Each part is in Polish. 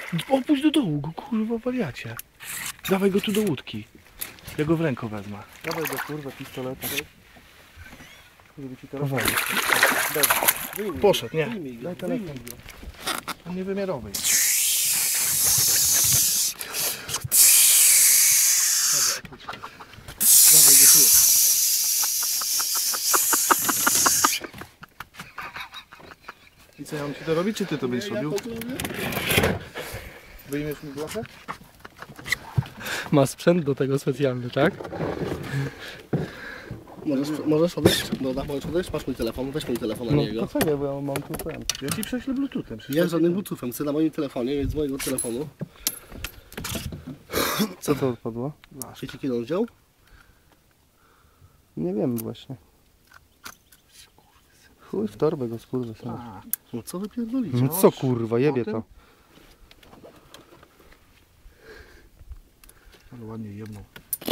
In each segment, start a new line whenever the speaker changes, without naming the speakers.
Opuść do dołu go, kurwa, wariacie. Dawaj go tu do łódki. Ja go w rękę wezmę.
Dawaj go, kurwa, pistoleta. Żeby ci teraz...
Poszedł, nie.
Daj telefon.
On niewymiarowy. Dawaj go tu. I co, ja mam ci to robić, czy ty to będziesz robił? Wyjmiesz mi blachę?
Ma sprzęt do tego specjalny, tak?
Możesz odejść? Dobra, możesz odejść? Masz mój telefon, weź mój telefon na niego.
poczekaj, bo ja mam tu ten.
Ja ci prześlę bluetoothem.
Ja żadnym bluetoothem, chcę na moim telefonie, więc z mojego telefonu.
Co to odpadło?
Wiecie kiedy on wziął?
Nie wiem właśnie. Chuj w torbę go skurwy.
No co wy pierdolicie?
No co kurwa, jebie to.
Ale ładnie jebną.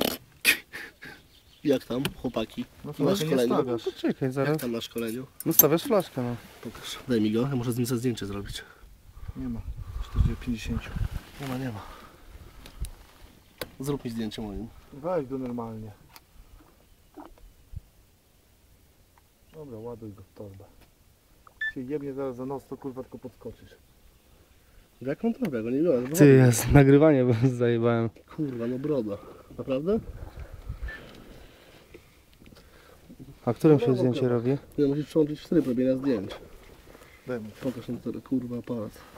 Jak tam, chłopaki?
No
Na
to nie
szkoleniu?
stawiasz.
Poczekaj
Jak
zaraz.
tam na szkoleniu?
No stawiasz flaszkę, no.
Pokaż. Daj mi go, ja muszę z nim sobie zdjęcie zrobić.
Nie ma. 50.
Nie ma. Zrób mi zdjęcie moim.
Weź go normalnie. Dobra, ładuj go w torbę. Się jebnie zaraz za nos, to kurwa tylko podskoczysz.
Jak on to go nie biorę?
Ty, ja z nagrywanie zajebałem.
Kurwa, no broda. Naprawdę?
A którym się zdjęcie robi?
Ja musisz przełączyć w tryb robienia zdjęć.
Daj mu.
Pokaż ten kurwa aparat.